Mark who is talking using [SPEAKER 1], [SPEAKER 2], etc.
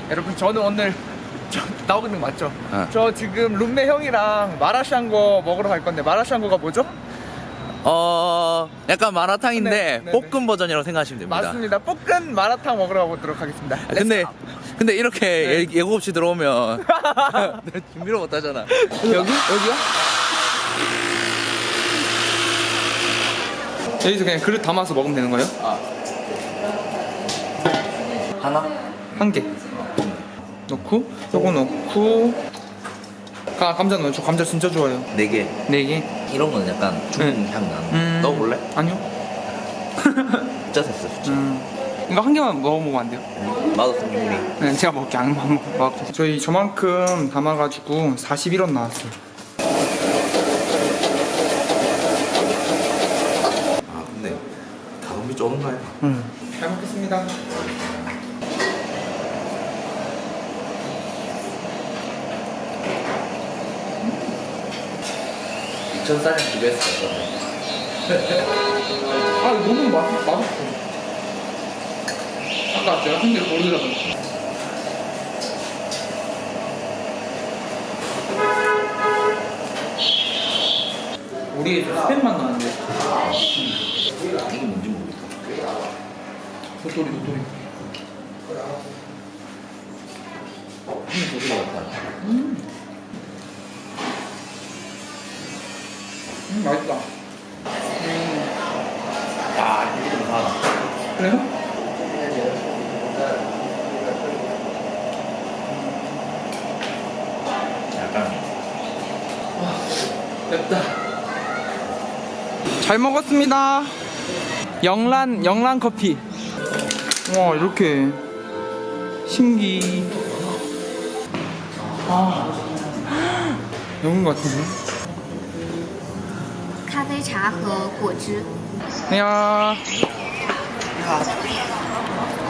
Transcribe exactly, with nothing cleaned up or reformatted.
[SPEAKER 1] 여러분 저는 오늘 저, 나오고 있는 거 맞죠?
[SPEAKER 2] 어.
[SPEAKER 1] 저 지금 룸메 형이랑 마라샹궈 먹으러 갈 건데 마라샹궈가 뭐죠?
[SPEAKER 2] 어 약간 마라탕인데
[SPEAKER 1] 네, 네, 네.
[SPEAKER 2] 볶음 버전이라고 생각하시면 됩니다.
[SPEAKER 1] 맞습니다. 볶은 마라탕 먹으러 가보도록 하겠습니다.
[SPEAKER 2] 아, 근데 근데 이렇게
[SPEAKER 1] 네.
[SPEAKER 2] 예- 예고 없이 들어오면 준비를 못 하잖아.
[SPEAKER 1] 여기? 여기요? 여기서 그냥 그릇 담아서 먹으면 되는 거예요?
[SPEAKER 2] 하나?
[SPEAKER 1] 한 개 넣고 요거 넣고 가 감자 넣어요. 저 감자 진짜 좋아해요.
[SPEAKER 2] 네 개.
[SPEAKER 1] 네 개.
[SPEAKER 2] 이런 거는 약간 중국
[SPEAKER 1] 네.
[SPEAKER 2] 향 나는.
[SPEAKER 1] 음...
[SPEAKER 2] 넣어볼래?
[SPEAKER 1] 아니요.
[SPEAKER 2] 진짜 됐어 진짜.
[SPEAKER 1] 음... 이거 한 개만 먹어보면 안 돼요?
[SPEAKER 2] 맛없음 요리.
[SPEAKER 1] 네, 제가 먹을게. 안 먹, 먹을게. 저희 저만큼 담아가지고 사십일 원 나왔어요.
[SPEAKER 2] 아 근데 가격이 적은가요?
[SPEAKER 1] 음. 잘 먹겠습니다.
[SPEAKER 2] 이천 살에 비교했어.
[SPEAKER 1] 아, 너무 맛, 맛없어. 아까 제가 한 개 고르려고 했어. 우리 스팸 맛 나는데.
[SPEAKER 2] 이게 뭔지 모르겠다.
[SPEAKER 1] 도토리, 도토리.
[SPEAKER 2] 이 도토리 같다.
[SPEAKER 1] 음. 음, 맛있다. 음.
[SPEAKER 2] 야 이게 좀 하나.
[SPEAKER 1] 그래요?
[SPEAKER 2] 약간
[SPEAKER 1] 맵다. 잘 먹었습니다. 영란 영란 커피. 와 이렇게 신기. 아 영인 것 같은데.
[SPEAKER 3] 咖啡茶和果汁。
[SPEAKER 1] 안녕.